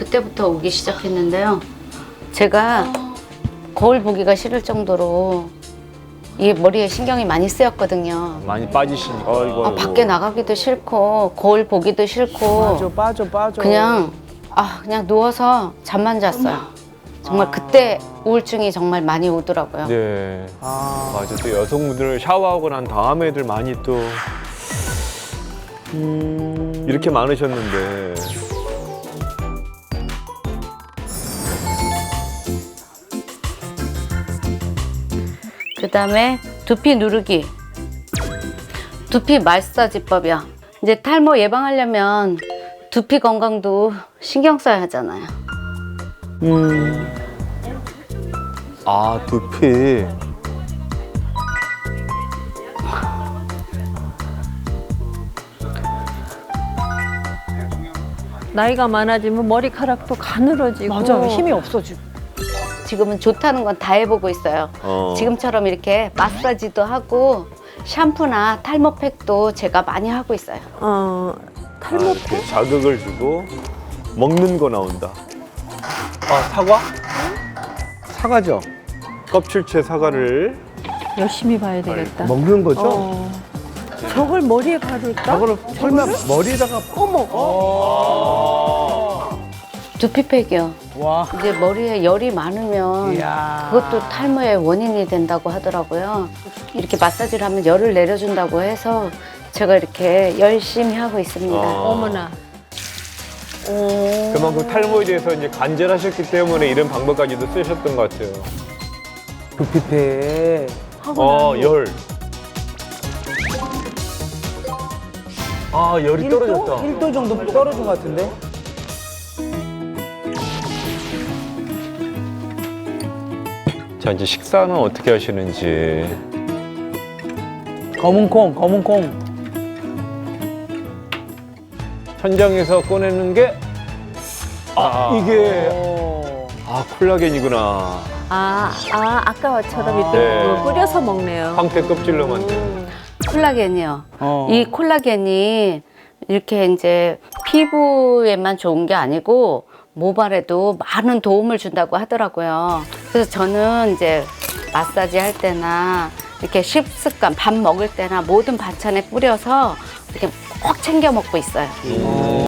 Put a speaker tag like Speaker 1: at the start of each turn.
Speaker 1: 그때부터 오기 시작했는데요. 제가 거울 보기가 싫을 정도로 이 머리에 신경이 많이 쓰였거든요.
Speaker 2: 많이 빠지시니까. 아이고,
Speaker 1: 밖에 나가기도 싫고 거울 보기도 싫고
Speaker 3: 빠져.
Speaker 1: 그냥 누워서 잠만 잤어요. 정말 그때 우울증이 정말 많이 오더라고요.
Speaker 2: 네. 맞아. 또 여성분들 샤워하고 난 다음에들 많이 또 이렇게 많으셨는데.
Speaker 1: 그다음에 두피 누르기, 두피 마사지법이요. 이제 탈모 예방하려면 두피 건강도 신경 써야 하잖아요.
Speaker 2: 아, 두피.
Speaker 4: 나이가 많아지면 머리카락도 가늘어지고.
Speaker 3: 맞아요. 힘이 없어지고.
Speaker 1: 지금은 좋다는 건 다 해보고 있어요. 지금처럼 이렇게 마사지도 하고 샴푸나 탈모팩도 제가 많이 하고 있어요.
Speaker 4: 탈모
Speaker 2: 이렇게 자극을 주고 먹는 거 나온다. 아, 사과? 사과죠. 껍질째 사과를.
Speaker 4: 열심히 봐야 되겠다.
Speaker 3: 먹는 거죠?
Speaker 4: 저걸 머리에 바를까?
Speaker 3: 저거를 설마 머리에다가
Speaker 1: 두피팩이요.
Speaker 3: 와.
Speaker 1: 이제 머리에 열이 많으면
Speaker 3: 이야.
Speaker 1: 그것도 탈모의 원인이 된다고 하더라고요. 이렇게 마사지를 하면 열을 내려준다고 해서 제가 이렇게 열심히 하고 있습니다.
Speaker 4: 어머나.
Speaker 2: 그만큼 탈모에 대해서 이제 간절하셨기 때문에 이런 방법까지도 쓰셨던 것 같아요.
Speaker 3: 두피팩.
Speaker 2: 열. 아, 열이 떨어졌다.
Speaker 3: 1도 정도 떨어진 것 같은데?
Speaker 2: 자, 이제 식사는 어떻게 하시는지.
Speaker 3: 검은 콩.
Speaker 2: 천장에서 꺼내는 게, 이게, 콜라겐이구나.
Speaker 4: 아까처럼 이렇게
Speaker 2: 네.
Speaker 4: 뿌려서 먹네요.
Speaker 2: 황태 껍질로 만든.
Speaker 1: 콜라겐이요. 이 콜라겐이 이렇게 이제 피부에만 좋은 게 아니고 모발에도 많은 도움을 준다고 하더라고요. 그래서 저는 이제 마사지 할 때나 이렇게 식습관, 밥 먹을 때나 모든 반찬에 뿌려서 이렇게 꼭 챙겨 먹고 있어요.